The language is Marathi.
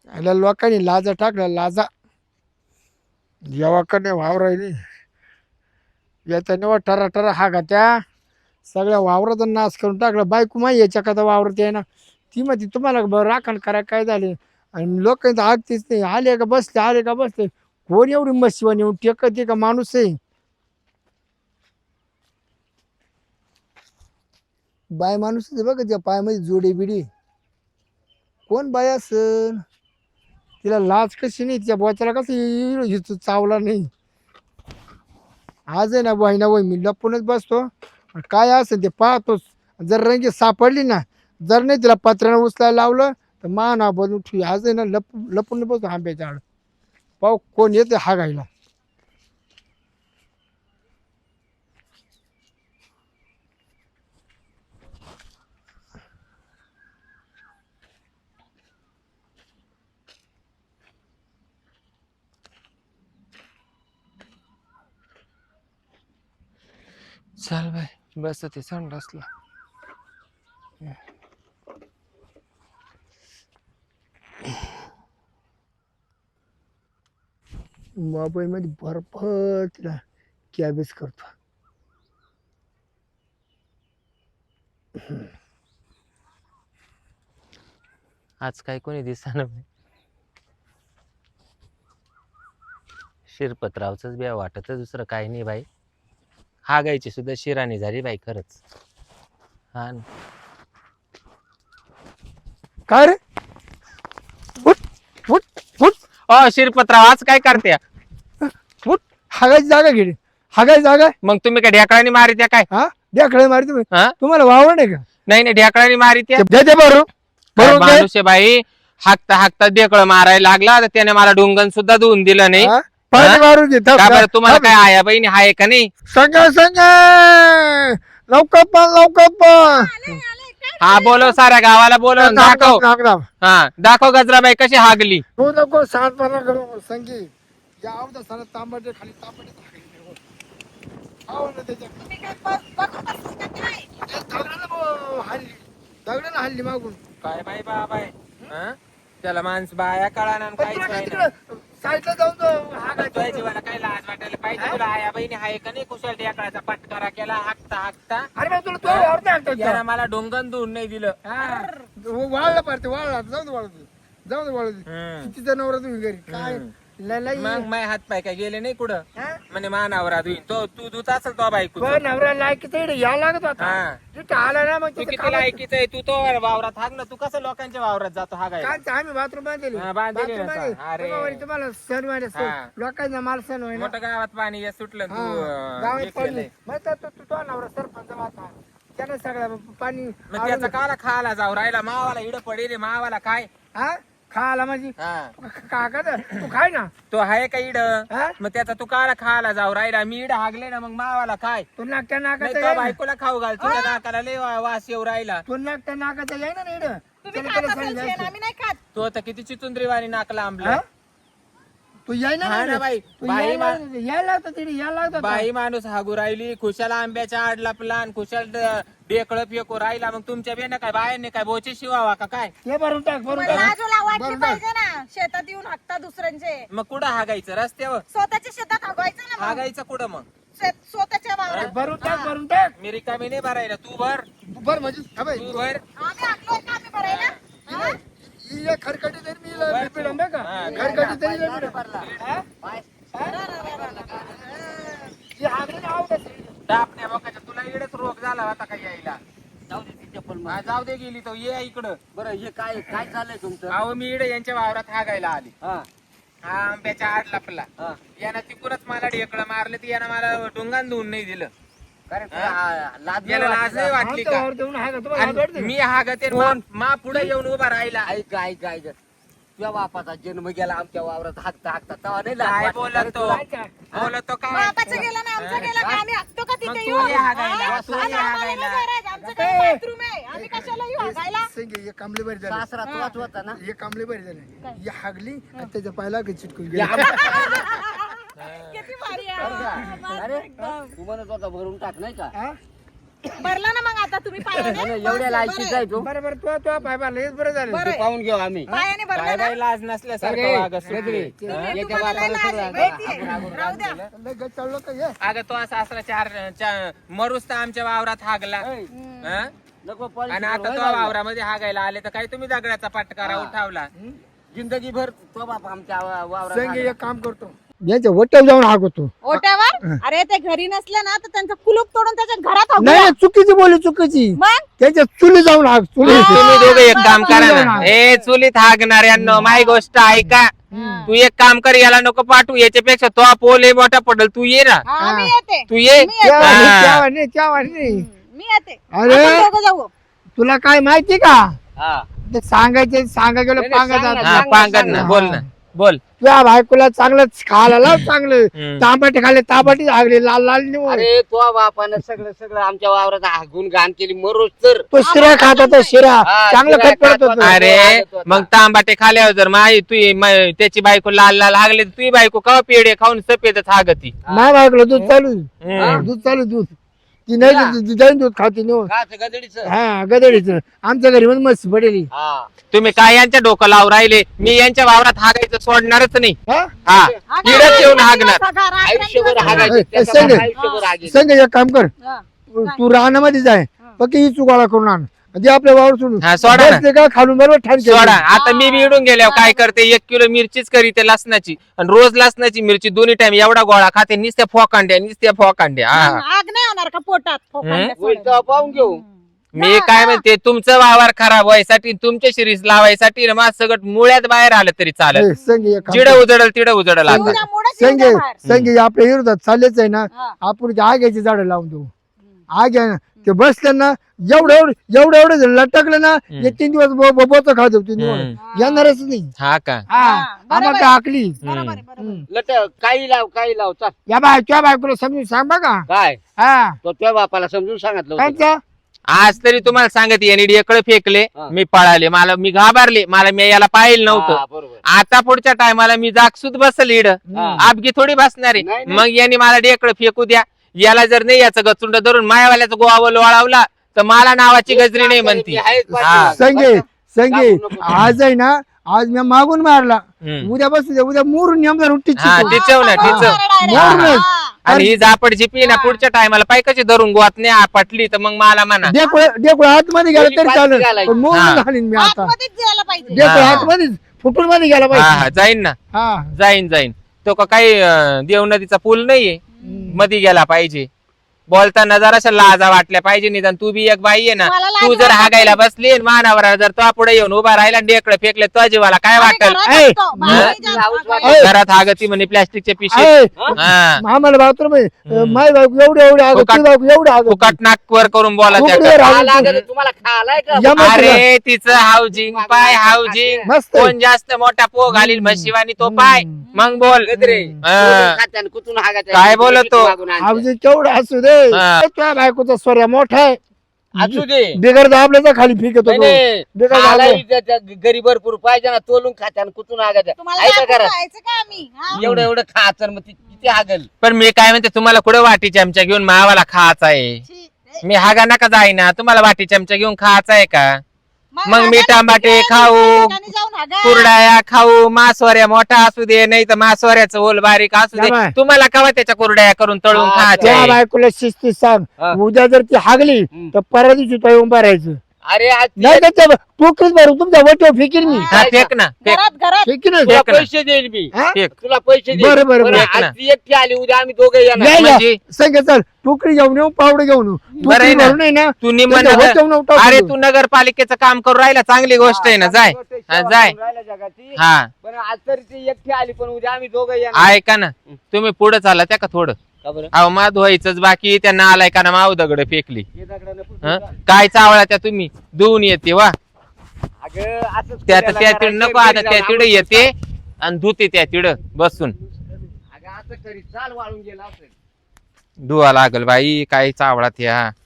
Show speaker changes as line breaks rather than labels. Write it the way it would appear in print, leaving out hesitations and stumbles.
याला लोकांनी लाजा टाकल्या लाजा जेव्हाकडे वावर राहिली याच्याने टरा टरा हा का त्या सगळ्या वावराचा नाश करून टाकला. बायको माही याच्या का वावरत आहे ना, ती म्हणते तुम्हाला राखण करा काय झाले. आणि लोक आगतीच नाही, आले का बसले आले का बसले. कोण एवढी मशिवानी येऊन टेकते का माणूस आहे. बाय माणूस बघ त्या पायामध्ये जोडे बिडी कोण बाय असन. तिला लाज कशी नाही, तिच्या बोचाला कसं हिचू चावला नाही. आज आहे ना वहिना वही मी लपूनच बसतो, काय असेल ते पाहतोच. जर रंगी सापडली ना, जर नाही तिला पत्र्यानं उचलायला लावलं तर मा ना बनून ठेवी. आज आहे ना लपून बसतो आंब्याच्या आड, पाहू कोण येते हा घायला.
चल बाय बस ते संडासला.
मोबाईलमध्ये बर्फ तिला कॅबेज करतो.
आज काय कोणी दिसना. शिरपतरावच बी वाटत दुसरं काही नाही बाई. हा गायची सुद्धा शिराणी झाली बाई खरंच. हा न.
काय रे उठ उठ उठ
शिरपतराव आज काय करते.
उठ. हागायची जागा घे, हागायची जागा.
मग तुम्ही काय ढेकळाने मारित्या काय.
हा ढेकळे मारी तुम्ही,
हा
तुम्हाला वावर नाही का.
नाही नाही ढेकळाने मारित्या.
दे बरोबर बरोबर
माणूस आहे बाई. हाकता हाकता ढेकळ मारायला लागला तर त्याने मला डोंगण सुद्धा धुवून दिलं नाही.
पाणी मारून घे.
का बरं तुम्हाला काय आया बहिणी हाय का नाही.
संगा संगा लवकर पण लवकर पण.
हा बोलव साऱ्या गावाला बोलव दाखव. हा दाखव गजराबाई कशी हागली.
तू नको शांतपणा करू संगी. या आवडा सारा तांबटे खाली तांबटे दगडाला हल्ली मागून
काय बाई बाबाय. त्याला माणस बाया कळाना काय
साईडला जाऊन
तुझ्या जीवाला काय लाज वाटायला पाहिजे. तुला आया बहिणी हाय का नाही. कुशल ढेकळाचा पटकारा केला हाकता हाकता.
अरे तुला
याला मला डोंगण धुवून नाही दिलं.
वाळला पारते वाळला जाऊन वाळू तिचा नवरा तुम्ही घरी काय
मग माय हात पाय काय गेले नाही कुठं. म्हणजे मानावरा धुईन तो तू धुत असेल तो बायको.
नवरा लायकीच या लागत होता. तिथं आला ना मग
तू किती लायकीच आहे. तू तो वावरात हाग ना. तू कसं लोकांच्या वावरात जातो हा काय.
आम्ही बाथरूम बांधले.
अरे
तुम्हाला सण व्हायला लोकांना मला सण व्हायला
मोठ्या गावात पाणी सुटलं.
गावात पाणी तू नवरा सरपंच होता त्यानं सगळा पाणी.
मग त्याचा काला खायला जाऊ राहिला. मावाला इड पडेल मावाला काय
खायला माझी काका तू खाय ना.
तो आहे का इड. मग त्याचा तू काला खायला जाऊ राहिला. मी इड हागले ना मग मावाला काय.
तू नाकट्या नाकाचा
बायकोला खाऊ घाल. तुझ्या नाकाला लय वास येऊ राहिला.
तू नाकट्या नाकाचा याय ना इड.
तू आता किती चितुंद्रीवाणी नाकला आंबला.
तू याय ना
बाई.
यायला लागतो तिथे यायला लागतो.
बाई माणूस हागू राहिली. खुशाला आंब्याच्या आड लपला. खुशाल ढेकळ फेकू राहिला. मग तुमच्या बेन काय बायांनी काय बोचे शिवावा का काय.
हे भरून टाक भरून
शेतात येऊन हाकता दुसऱ्यांचे.
मग कुठं हागायचं रस्त्यावर.
स्वतःच्या शेतात हागवायचं ना.
हागायचं कुठं मग.
स्वतःच्या वावरात
भरून टाक.
मी रिकामी नाही भरायला. तू भर
भर म्हणजे
तू भर.
आम्ही हाकलोय का आम्ही भरायला.
खरकटी तरी मी पिढं का खरकटी तरी
डापण्या बघायच्या तुला इकडेच रोग झाला होता का यायला. जाऊ दे गेली तो ये इकडं.
बरं हे काय काय चाललंय तुमचं.
अहो मी इकडे यांच्या वावरात हागायला आली. हा आंब्याच्या आड लपला. यानं तिकडूनच मला ढेकळं मारले. ती यानं मला डोंगान धुवून नाही दिलं. याला लाज नाही वाटली का. मी हागते मा पुढे येऊन उभा राहिला.
ऐक ऐक ऐक तुझ्या बापाचा जन्म गेला आमच्या वावरात हाकता हाकता तेव्हा नाही
काय
लाज
बोलतो बोलतो काय.
बापाचं गेलं ना आमचं गेलं का आम्ही हाकतो का
मग
तिथे
तू
येऊन.
ये हागायला. तू
आम्ही
ये
आम्हाला
हागायला.
नाही करायचं. आमचं काय बाथरूम आहे. आम्ही कशाला येऊ हागायला.
कांबळे बरी झाले.
सासरा तुलाच होता ना.
हे कांबळे बरी झाले. ही हागली आणि त्याच्या पायला चिटकून गेली.
किती भारी आहे.
अरे तू म्हणत होता भरून टाक नाही का.
भरला ना मग आता तुम्ही पायाने
एवढ्या लायकीच आहे तू
बरोबर तो पाय मारला हेच बरं झालं.
बरं.
पाहून घेऊ आम्ही
पायाने भरला
काय
ना
बाई लाज नसल्यासारखं
सगळे,
वागत
सगळे.
सुटली.
तुम्हाला लय लाज आहे, माहितीये? राहू द्या.
लय गच्चाळलो का हे?
अगं तो सासरा मरूस तर आमच्या वावरात हागला हं?
नको
आणि आता तो वावरामध्ये हागायला आले तर काही तुम्ही दगडाचा पटकारा उठावला.
जिंदगी भर तो बाप आमच्या वावरात
संगे एक काम करतो यांच्या वट्यावर जाऊन हागवतो.
ओट्यावर अरे ते घरी नसले ना तर त्यांचं कुलूप तोडून त्याच्या घरात हाकून
नाही
द्या.
चुकीची बोली चुकीची
मग
त्याच्या चुली जाऊन हाग चुली
तुम्ही दोघं एक काम करा
बरोबर.
ना, ए चुलीत हागणाऱ्यांनो माही गोष्ट ऐका. तू एक काम कर, याला नको पाठवू, याच्यापेक्षा तो पोले मोठा पडल. तू ये ना,
हा, मी येते
तू ये.
मी येते.
हा.
मी येते
अरे.
आपण दोघं जाऊ.
तुला काय माहिती का
हा.
ते सांगा गेलं
नाही,
पांगत
सांग ना,
आता.
हा पांगत ना, बोल ना बोल.
तुझ्या बायकोला चांगलंच खायला लाव चांगलं
हम्म.
तांबट खाल्ले तांबटी हागली लाल लाल निवड
अरे तो बापानं सगळं सगळं आमच्या वावरात हागून घाण केली मरोज तर
तो शिरा खात होता शिरा
हा,
चांगलं
शिरा
खत पडत
खात
होत
होता.
अरे
हागत होता.
मग तांबाटे खाल्यावर जर माई त्याची बायको लाल लाल हागले तर तुझी बायको का पेढे खाऊन सफेदच हागती.
नाही बायकोला दूध चालू
हम्म.
दूध चालू दूध ती नाही जाईन दूध खाते निवड
काच गदडीचं.
हा गदडीच आमच्या घरी मध्ये मस्त पडेली
हा.
तुम्ही काय यांच्या डोकं लावून राहिले? मी यांच्या वावरात हागायचं सोडणारच नाही.
हा?
हा
हा, काय?
इडच येऊन हागणार.
सगळा रात
आयुष्यभर
त्यांचं
हागायचं
ए,
त्याचा
संजय.
बाप आयुष्यभर हागेल.
संग एक काम कर
हा.
तू रानामध्ये जाय फक्त ही चुकाळा करून आण जे आपल्या वावर सोडून
हा, सोडा ना.
बसले का खालून बरोबर ठाण केलं.
सोडा. आता मी बी इडून गेल्यावर काय करते, 1 किलो मिरचीच करीते लसणाची, आणि रोज लसणाची मिरची दोन्ही टाइम एवढा गोळा खाते. नुसत्या फोकांड्या हा.
आग नाही होणार का पोटात फोकांड्या
होईल
सोडून?
तेव्हा पाहून घेऊ.
मी काय म्हणते, तुमचं वावर खराब व्हायसाठी, तुमच्या शिरीष लावायसाठी माझ सगळं मुळ्यात बाहेर आलं तरी चालत.
ए, संगे एक काम
जिड
कर.
उजडल तिड उजडल आता.
उद्या मोडच येऊ
संगे
द्या बाहेर.
संगे आपल्या विरोधात चाललेच आहे ना
हा.
आपण ते आग्याची झाडं लावून देऊ आग आहे ना ते बसले ना एवढं जर लटकलं ना
हम्म.
1-3 दिवस बोच खात होती
हम्म.
येणारच नाही
हा का?
हा
बरोबर
आम्हाला
आहे.
काय आकली
बरोबर आहे, बरोबर आहे.
लट काही लाव चल.
या तुझ्या बायकोला समजून सांग बघा
काय
हा
तो त्या बापाला समजून सांगितलं होतं.
कांच्या?
आज तरी तुम्हाला सांगत याने ढेकळं फेकले,
हा.
मी पळाले, मी घाबरले, मी याला पाहिलं नव्हतं.
हा, बरोबर.
आता पुढच्या टायमाला मी जागसूद बसल इड,
हा.
आपगी थोडी बसणार आहे.
नाही, नाही.
मग यांनी मला ढेकळं फेकू द्या. याला जर नाही याचं गचुंड धरून मायावाल्याचं गोवा लोळावला तर मला नावाची गजरी नाही म्हणती.
मी आहेच
हा.
पाठीमागं.
संगे संगे
नको, नको.
आज आहे ना आज मी मागून मारला
हम्म.
उद्या बसू दे उद्या मोरून नेमदार उठीच
हा,
शिकवू.
टिचव ना,
हा,
टिचव.
direct.
मोरून
हा.
आणि ही जापड झिपी ना पुढच्या टायमाला पाय कशी धरून गोवात नाही पटली तर मग मला म्हणा.
डेकुळ आतमध्ये गेला तरी
पहिली
चालेल
पाचवी घालायची.
पण मोरून
हा.
घालीन मी आता
आतमध्येच जायला पाहिजे
डेकुळ
हा.
आतमध्येच फुटून मध्ये गेला
हा
पाहिजे
हा, जाईन ना,
हा
जाईन. तो का काही देव नदीचा पूल नाहीये, मधी गेला पाहिजे. बोलताना जराशा लाजा वाटल्या पाहिजे. निदान तू बी एक बाई आहे ना,
मला लाज
तू जर
वाटते.
हागायला बसली आणि मानावर जर तो पुढे येऊन उभा राहिला डेकडे फेकले तो जीवाला काय
आम्ही
वाटेल?
घरात
ऐ,
असतो, बाहेर
हा.
जास्त
हाऊस
हागायला.
ऐ.
घरात हागती म्हणे प्लॅस्टिकच्या पिशवीत.
ऐ,
हा.
आम्हाला बाथरूम
हम्म.
माय बायको एवढे आग
फुकट-
बायको एवढे आग
फुकट नाकवर करून बोला
खूप
त्याकडे.
वेळ
खा
राहून
लागलं तुम्हाला खालाय का
या मग तुला.
अरे तिचं हाऊजिंग पाय हाऊजिंग,
मस्त आहे.
कोण जास्त मोठा पो घालील म्हशीवानी तो पाय. मग बोल.
गजरे.
हा.
खात्यानं कुठून हागायचं?
काय बोलतो?
मागून आणते.
आवाज केवढा असू दे
हा.
तुझ्या बायकोचा स्वर्या मोठा आहे
असू दे.
बिगर दाबल्याचा खाली फेकत
नाही,
होतो
नाही.
बेकार
खालाय
झालं.
त्या घरी भरपूर पाहिजे ना, तोलून खात्यानं कुठून हागायचं?
तुम्हाला
आहे का
दाखवून
घरात?
जायचं का आम्ही हा?
एवढं एवढं खायचं मग ती किती हागल?
पण मी काय म्हणते, तुम्हाला कुठं वाटी चमचा घेऊन मावाला खायचा आहे?
छी.
मी हागा नका जाईना, तुम्हाला वाटी चमचा घेऊन खायचा आहे का? मग
हागा
मी
ना
टमाटे
तिकडे,
खाऊ,
दुसऱ्या ठिकाणी जाऊन हागा.
कुरड्या खाऊ, मासवऱ्या मोठा असू दे, नाही तर मासवऱ्याचं ओल बारीक असू दे,
बाय.
तुम्हाला कवा त्याच्या कुरड्या करून तळून
हा,
खायच्या
त्या
आहे?
बायकोला शिस्ती सांग
हा.
उद्या जर ती हागली
हम्म.
तर परवा दिवशी तो येऊन भरायचं
अरे आज ती
नाही तर त्या टोकरीच भरू तुमच्या वटीवर फेकीन मी
हा, फेक ना, फेक.
घरात
फेकीन
तुला
फेक ना.
पैसे देईल मी,
हा?
फेक.
तुला पैसे देईल.
बरं, बरं,
पण
बरं.
फेक ना.
आज ती एकटी आली, उद्या आम्ही दोघं येणार.
या, या.
म्हणजे?
संग चल टोकरी घेऊन येऊ पावडे घेऊन येऊ
बरं आहे
टोकरी
ना.
भरून आहे ना
तू निम्म
त्याच्या
नगर-
वट्यावर टाकून
अरे
देऊ.
तू नगरपालिकेचं काम करून राहिला, चांगली गोष्ट आहे ना, जाय. हा, जाय.
जगाची.
हा,
पण आज तरी ती एकटी आली, पण उद्या आम्ही दोघं येणार.
ऐका ना, तुम्ही पुढे चाला त्या का थोडं.
का बरं?
अहो मा धुवायचंच बाकी, त्यांना आलाय का ना माव दगड फेकली.
हे दगडानं पुसून
हं?
जा.
काय चावळा त्या तुम्ही धुवून येते वा
अगं, असंच
त्या
करायला
त्या
करायचं,
नको आता
घरी
त्या
जाऊन
तिड येते आणि धुते त्या तिड बसून.
अगं, असं करी चाल वाळून गेला असेल.
धुवा लागल बाई, काय चावळा त्या